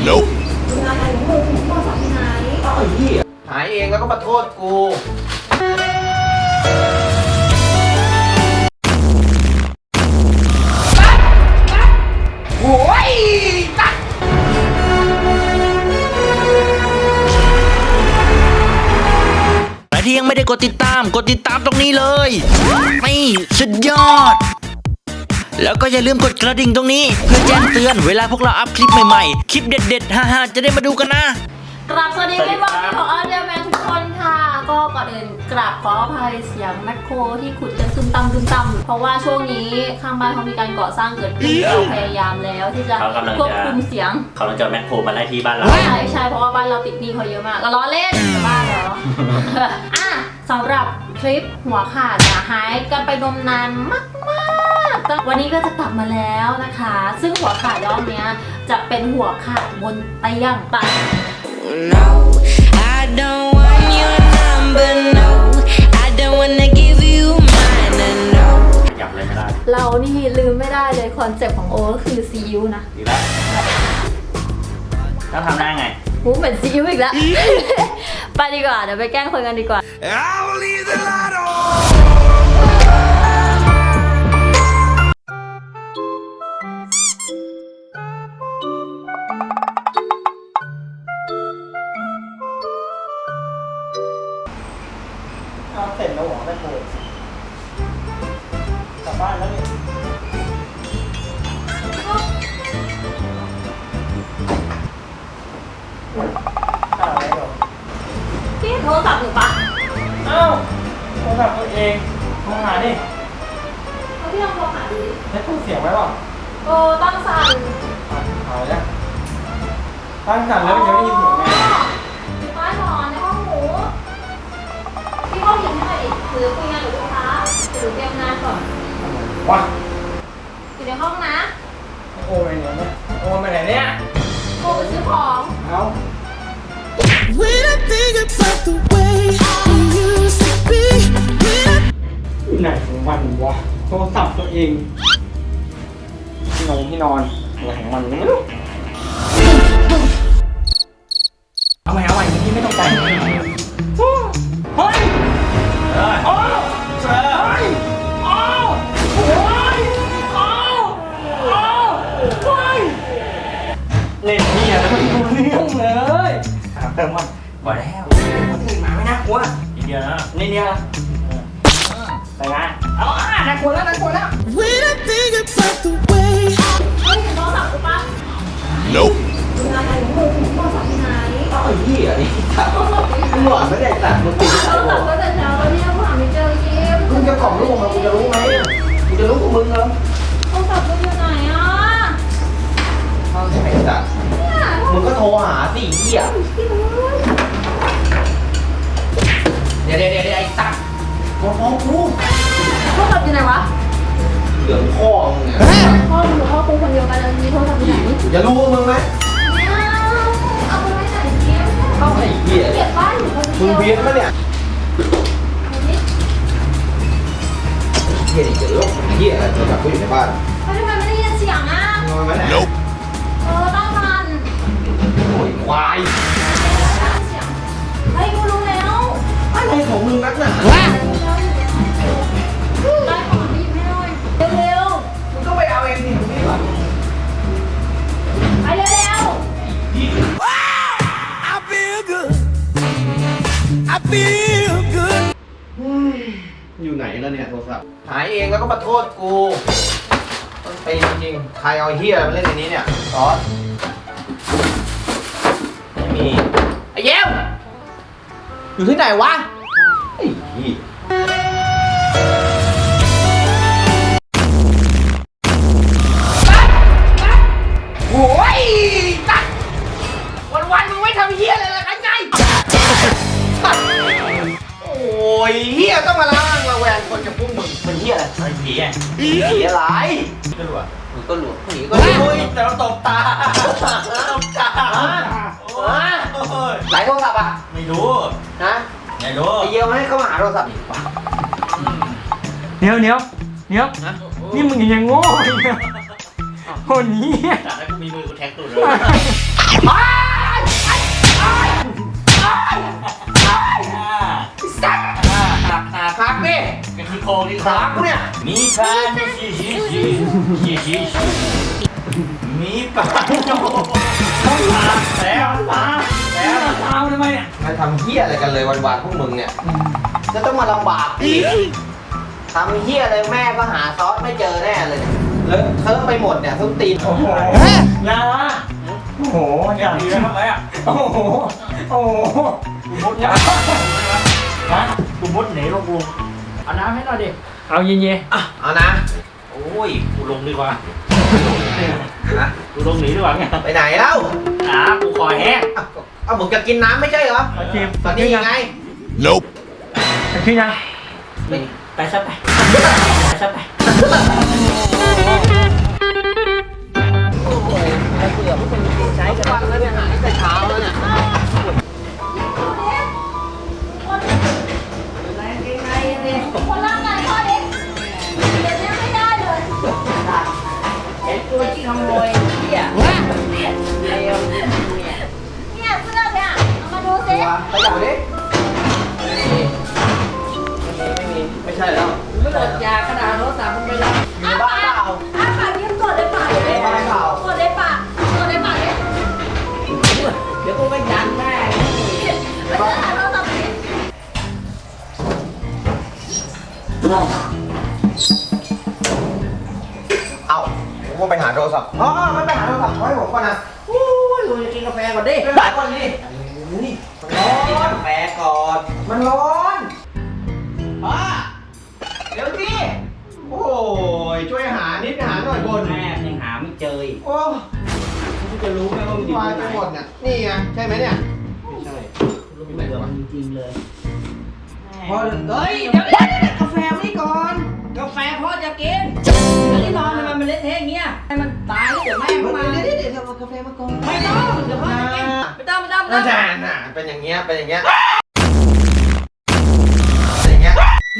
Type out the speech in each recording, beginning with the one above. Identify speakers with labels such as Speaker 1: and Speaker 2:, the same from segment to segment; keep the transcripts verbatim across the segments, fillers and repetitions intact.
Speaker 1: Nope
Speaker 2: อะไรมึงโทรศัพท์ที่ไหนเอาไอ้เหี้ยหายเองแล้วก็มาโทษกูโอ้ยตัด
Speaker 3: ใครที่ยังไม่ได้กดติดตามกดติดตามตรงนี้เลยนี่สุดยอดแล้วก็อย่าลืมกดกระดิ่งตรงนี้เพื่อแจ้งเตือนเวลาพวกเราอัพคลิปใหม่ๆคลิปเด็ดๆฮ่าๆจะได้มาดูกันนะ
Speaker 4: กราบสวัสดีพี่บอลของอาเดียแมนทุกคนค่ะก็ก่อนอื่นกราบขออภัยเสียงแมคโครที่ขุดกันซึมต่ำซึมต่ำเพราะว่าช่วงนี้ข้างบ้านเขามีการก่อสร้างเกิดขึ้นเราพยายามแล้วที่จะควบคุมเสียง
Speaker 5: เขากำลังจะแมคโครมาไล่ที่บ้านเรา
Speaker 4: ใช่ใช่เพราะว่าบ้านเราติดหนี้เขาเยอะมากก็ล้อเล่นบ้านเหรอ อ่ะสำหรับคลิปหัวขาดหายกันไปนมนานมากๆวันนี้ก็จะกลับมาแล้วนะคะซึ่งหัวขาดรอบนี้จะเป็นหัวขาดบนเตียงไป
Speaker 6: No, I don't want your number, no. I don't wanna give you mine, no.
Speaker 5: หยับเลยไม่ได้
Speaker 4: เรานี่ลืมไม่ได้เลยคอนเซ็ปต์ของโอก็คือซีอิ๊วนะ
Speaker 5: ดีแล้วต้องทำได้ไง
Speaker 4: หูเหมือนซีอิ๊วอีกแล้ว ไปดีกว่าเดี๋ยวไปแกล้งคนกันดีกว่า
Speaker 2: เสร็จแล้วหรอแม่โคกลับบ้านแล้วนี่อะไรหรอ
Speaker 4: พี่โทรศัพท์หนูปะ
Speaker 2: เอ้าโทรศัพท์ตัวเองโทรหาดิ
Speaker 4: เอาพี่ลองโทรหาดูดิ
Speaker 2: ได้พูดเสียงไว้ป่ะ
Speaker 4: โอ้ตั้งสั่น
Speaker 2: หายแล้วตั้งสั่นแล้วมันยังไม่ได้ยินเสียงไง
Speaker 4: ป้าหนอนในห้องหมูพี่ห้องหญิงให้หน่อยดิหรือคุยงานกับลูกค้าหรือเตรียมงานก่อน
Speaker 2: วะ
Speaker 4: อยู่ในห้องนะ
Speaker 2: โอ้ยเนี่ยเนี่ยโอ้ยไปไหนเนี่ย
Speaker 4: โอ้ไปซื้อของ
Speaker 2: เอา
Speaker 6: When I think about the way we used to be, when I
Speaker 2: ที่ไหนของมันวะโทรศัพท์ตัวเองที่นอนที่นอนอะไรของมันไม่รู้เอาใหม่เอาใหม่ที่ไม่ต้องใจเฮ้ยโอ้โอ้โอ้โอ้โอ้โอ้เล่นนี่อะแล้วไม่รู้เรื่องเลยถามเติมมันบ่แล้วคนอื่นมาไม่น่ากลัว
Speaker 5: นิดเดียวนะ
Speaker 2: นี่เนี่ยแต่งานเอาอ่ะน่ากลัวแล้วน่ากลัวแล้ว
Speaker 6: when I think about the way
Speaker 4: เฮ้ยเห็นโทรศัพท์กูปะ
Speaker 1: Nope
Speaker 2: อะไรมึงโทรศัพท์ที่ไหนเอาไอ้เหี้ยนี่มึงหลอนไม่ได้ตัดมึงติด
Speaker 4: โทรศัพท์ก็แต่เช้าแล้วเนี่ยกูหาไม่เจอยิ้ม
Speaker 2: มึงจะกล่อมลูกมากูจะรู้ไหมกูจะรู้กับมึงเหรอ
Speaker 4: โทรศัพท์กูอยู่ไหนอ่ะ
Speaker 2: เอาใช่ไหมจ๊ะมึงก็โทรหาสิเหี้ยเดี๋ยวเดี๋ยวเดี๋ยวไอ้ตั๊กโทรฟ้องกู
Speaker 4: โทรศัพท์อยู่ไหนวะ
Speaker 2: เหลืองพ่อมึงเนี่ย
Speaker 4: พ่อมึงกับพ่อกูคนเดียวกันแล้วมีโทรศัพท์อยู่ไหน
Speaker 2: จะรู้กับมึงไหม
Speaker 4: ไม่เอาเอาไปไว้ไหนยิ้ม
Speaker 2: เอาไอ้เหี้ย
Speaker 4: เก็บบ้านอยู่คนเดียว
Speaker 2: มึงเพี้ยนปะเนี่ยเหี้ยนี่จะลบเหี้ยอะไรโทรศัพท์กูอยู่ในบ้าน
Speaker 4: ทำไมไม่ได้ยินเสียงอ่ะ
Speaker 2: นอนไหมเนี่ย
Speaker 1: Nope
Speaker 4: เออตั้งมัน
Speaker 2: โอ้ยควาย
Speaker 4: เฮ้ยกูรู้แล้ว
Speaker 2: อะไรของมึงนักหนา
Speaker 4: ได้ของไปหยิบให้หน่อยเร็ว
Speaker 2: มึงก็ไปเอาเองดิมึงนี่หรอ
Speaker 4: ๆไปเร็ว
Speaker 6: I feel good I feel good
Speaker 2: อยู่ไหนแล้วเนี่ยโทรศัพท์หายเองแล้วก็มาโทษกูต้นปีจริงๆใครเอาเฮียมาเล่นในนี้เนี่ยซอสไม่มีไอ้เย้วอยู่ที่ไหนวะไอ้เหี้ยโอ้ยตัดวันๆมึงไม่ทำเฮียอะไรเลยไงไงโอ้ยเฮียต้องมาล้างมาแหวนคนกับพวกมึงเป็นเฮียอะไร
Speaker 5: ไอ้ผีอ่ะ
Speaker 2: ผีอะไร
Speaker 5: ก็รู้อ่ะ
Speaker 2: มึงก็หลวงผีก็รู้แต่เราตบตาตบตาไหนโทรศัพท์อ่ะ
Speaker 5: ไม่รู้
Speaker 2: นะ
Speaker 5: ไม่รู้
Speaker 2: ไอเยี่ยมให้เขามาหาโทรศัพท์อีกป่ะ
Speaker 7: เดี๋ยวเดี๋ยวเดี๋ยวนี่มึงยังโง่อีกเหรอคนนี้
Speaker 5: แต่ถ้ากูมีมือกูแทงตูดเลย
Speaker 2: ไอ้ขากูเนี่ย
Speaker 5: มีปลาในชีชีชีชีชีชีมีปลาโอ้ปลาแล้วปลาแล้ว
Speaker 2: ตามทำไมเนี่ย
Speaker 1: มาทำเฮี้ยอะไรกันเลยวันๆพวกมึงเนี่ย จะต้องมาลำบากอีกทำเฮี้ยอะไรแม่ก็หาซอสไม่เจอแน่เลยเนี่ยเลอะเทอะไปหมดเนี่ยทุกตีน
Speaker 2: โอ้โหยาโอ้โหอย่าง
Speaker 5: ดี
Speaker 2: นี้
Speaker 5: นะทำไมอ่ะ
Speaker 2: โอ้โหโอ้โห
Speaker 5: กูมุดยาฮะกูมุดหนีลงกูเอาน้ำให้หน่อยดิ
Speaker 2: เอาเย็น
Speaker 1: อ่ะเอานะ
Speaker 5: โอ้ยกูลงดีกว่า
Speaker 1: นะ
Speaker 5: กูลงหนีดีกว่าไง
Speaker 1: ไปไหนเล่า
Speaker 5: อ่ากูคอแห้ง
Speaker 1: เอาเอามึงจะกินน้ำไม่ใช่เหรอ
Speaker 2: ๆโอเค
Speaker 1: ตอนนี้ยังไง
Speaker 2: จะขึ้นยัง
Speaker 5: ไปซะไปไปซะไป
Speaker 1: ใช้กันวันแล้วเนี่ยหายแต่เช้าแล้วเนี่ย
Speaker 4: คนร่างกายพ่อเด็กเดี๋ยวนี้ไม่ได้เลย
Speaker 8: ไอ้ตัวที่ขโมยเนี่ยเนี่ยเร็วเนี่ย
Speaker 4: เนี่ยเสื้อเนี่ยเอามาดูสิ
Speaker 1: ไปจับดิไม่มีไม่มีไม่ใช่แล้ว
Speaker 8: ไม่หมดยาขนาดรถสามคนไปรับ
Speaker 1: มีบ้าเปล่า
Speaker 4: อ้าปากยิ้มกดเลยปากเลย
Speaker 1: บ้าเปล่าก
Speaker 4: ดเลยปากกดเลยปากเลย
Speaker 8: เดี๋ยวกูไปยันแม่
Speaker 4: ไปเจอหาโทรศัพท์สิ
Speaker 1: เอ้าผมก็ไปหาโทรศัพท์อ๋อไม่ไปหาโทรศัพท์ให้ผมก่อนนะ
Speaker 8: โอ้ยกูจะกินกาแฟก่อนดิ
Speaker 1: ไปหาก่อนดินี่มันร้อนกินกาแฟก่อน มันร้อนป้าเดี๋ยวสิโอ้ยช่วยหานิดหาหน่อยบน
Speaker 8: แม่ยังหาไม่เจออีก
Speaker 1: โอ้
Speaker 8: กูจะรู้ไหมว่ามันอยู่
Speaker 1: วาย
Speaker 8: ที่
Speaker 1: ไป
Speaker 8: ไหน
Speaker 1: หมดเนี่ยนี่ไงใช่ไหมเนี่ย
Speaker 8: ไม่ใช่รู้ไหมว่าจริงๆเลย
Speaker 1: พอ
Speaker 8: เฮ้ยเดี๋ยวเดี๋ยวเดี๋ยวกาแฟไม่ก่อน กาแฟพ่อจะกินแล้วที่นอนทำไมมันเละเทะอย่างเงี้ยให้มันตายแล้วเดี๋ยวแม่เข้ามา
Speaker 1: เดี๋ยวเดี๋ยวเดี๋ยวเอากาแฟมาก่อน
Speaker 8: ไม่ต้องเดี๋ยวพ่อจะกินไม่ต้องไม่ต้องไม่
Speaker 1: น่า
Speaker 8: ต้อง
Speaker 1: จะน่ะเป็นอย่างเงี้ยเป็นอย่างเงี้ยเป็นอย่างเงี้ย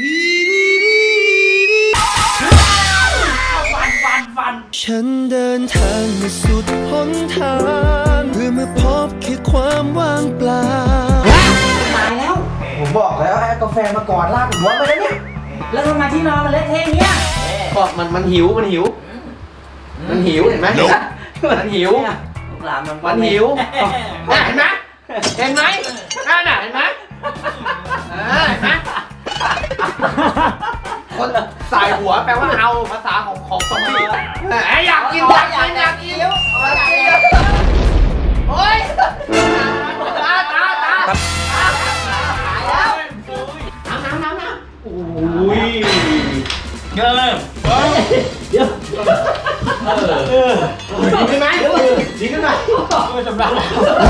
Speaker 5: ฟันฟันฟัน
Speaker 9: ฉันเดินทางมาสุดหนทางเพื่อมาพบแค่ความว่างเปล่า
Speaker 8: ตายแล้ว
Speaker 1: ผมบอกแล้วให้เอากาแฟมาก่อนลากหัวมาแล้วเนี่ย
Speaker 8: แล้วทำไมที่นอนมันเละเทะอย่างเงี้ย
Speaker 1: ก็มันมันหิวมันหิว มันหิวเห็นไหมมันหิว
Speaker 8: ลูกหลานมัน
Speaker 1: มันหิวน่ะเห็นไหมเห็นไหมนั่นน่ะเห็นไหมเออเห็นไหมคนสายหัวแปลว่าเอาภาษาของของซอมบี้ไอ้อยากกินอยากกินอยากกินอยากกินโอ๊ยตาตาตาแล้วน้ำน้ำน้ำน้ำ
Speaker 5: อุ้ยเกิน
Speaker 1: ดีขึ้นไหมดีขึ้นไหม
Speaker 5: ไม่สำลัก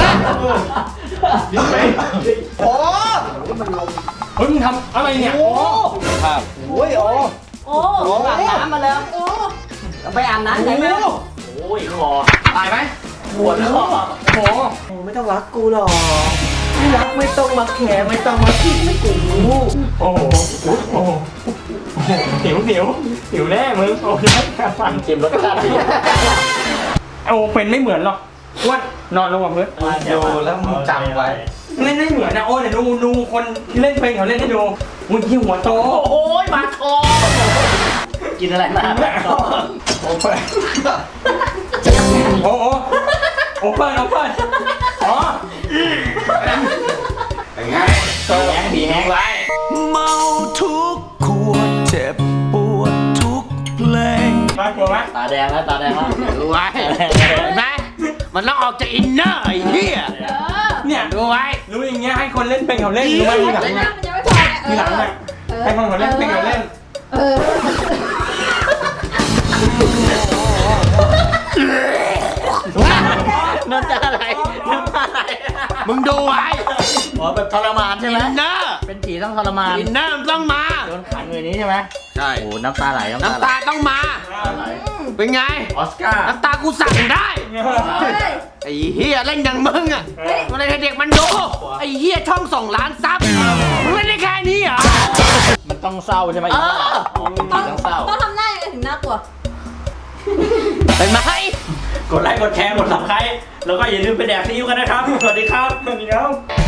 Speaker 1: ดีไหมโอ้
Speaker 2: เฮ้ยมึงทำอะไรเนี่ย
Speaker 1: โหโอ้ยโอ้
Speaker 8: โอ้โหอาบน้ำมาแล้วเอาไปอาบน้ำไหนไหม
Speaker 5: โอ้ยคอ
Speaker 1: ตายไหม
Speaker 5: ปวดคอ
Speaker 2: โอ้โห
Speaker 1: ไม่ต้องรักกูหรอกไม่รักไม่ต้องมาแคร์ไม่ต้องมาคิดไม่กู
Speaker 2: โอ้โหโอ้โหหิวหิวหิวแน่มึงโอ้ยฟัน
Speaker 5: ชิมรสชาติดี
Speaker 2: โอ้เป็นไม่เหมือนหรอกอ้วนนอนลงกับพื้น
Speaker 1: ดูแล้วมึงจำไว้
Speaker 2: เล่นไม่เหมือนนะโอ้เดี๋ยวดูดูคนที่เล่นเป็นเขาเล่นให้ดูมึงที่หัวโต
Speaker 5: โอ้ยมาคอกินอะไรมา
Speaker 2: โอ้เปิดโอ้โอ้โอ้เปิดโอ้เปิดอ๋อ
Speaker 1: เป็นไง
Speaker 5: แห้งดีแห้งไร
Speaker 9: เมาทุกขวดเจ็บปวดทุกเพลง
Speaker 2: มากลัวไหม
Speaker 5: ตาแดงแล้วตาแดงแล้ว
Speaker 3: ดูไว้เห็นไหมมันต้องออกจากอินเนอร์ไอ้เหี้ย
Speaker 2: เนี่ย
Speaker 3: ดูไว้
Speaker 2: รู้อย่างเงี้ยให้คนเล่นเป็นเขาเล่นรู้ไหมทีหลัง
Speaker 4: มัน
Speaker 2: เนี่ย
Speaker 4: ยังไม่พอเนี่ย
Speaker 2: ทีหลังเนี่ยให้คนเขาเล่นเป็นเขาเล่น
Speaker 4: เออ
Speaker 3: น้ำตาไหลน้ำตาไหลมึงดูไว้
Speaker 5: อ๋อแบบทรมานใช่ไหม
Speaker 3: อินเนอร์
Speaker 5: เป็นผีต้องทรมาน
Speaker 3: อินเนอร์ต้องมา
Speaker 5: โดนขังอยู่ในนี้ใช่ไหม
Speaker 3: ใช่
Speaker 5: โอ้น้ำตาไหล
Speaker 3: น้ำตาต้องมา
Speaker 5: ไหล
Speaker 3: เป็นไง
Speaker 5: ออสการ์
Speaker 3: น้ำตากูสั่งได้
Speaker 4: เฮ้ย
Speaker 3: ไอ้เฮียเล่นอย่างมึงอ่ะมันเลยให้เด็กมันดู ไอ้เฮียช่องส่งล้านซับมึงเล่นได้แค่นี้เหรอ
Speaker 5: มันต้องเศร้าใช่ไหม
Speaker 3: เออ
Speaker 5: อ๋อเป็นผีต้องเศร้า
Speaker 4: ต้องทำหน้ายังไงถึงน่ากลัว
Speaker 3: เป็นไหม
Speaker 5: กดไลค์กดแชร์กดซับสไครต์แล้วก็อย่าลืมไปแดกซีอิ๊วกันนะครับ สวัสดีครับ
Speaker 2: สวัสดีครับ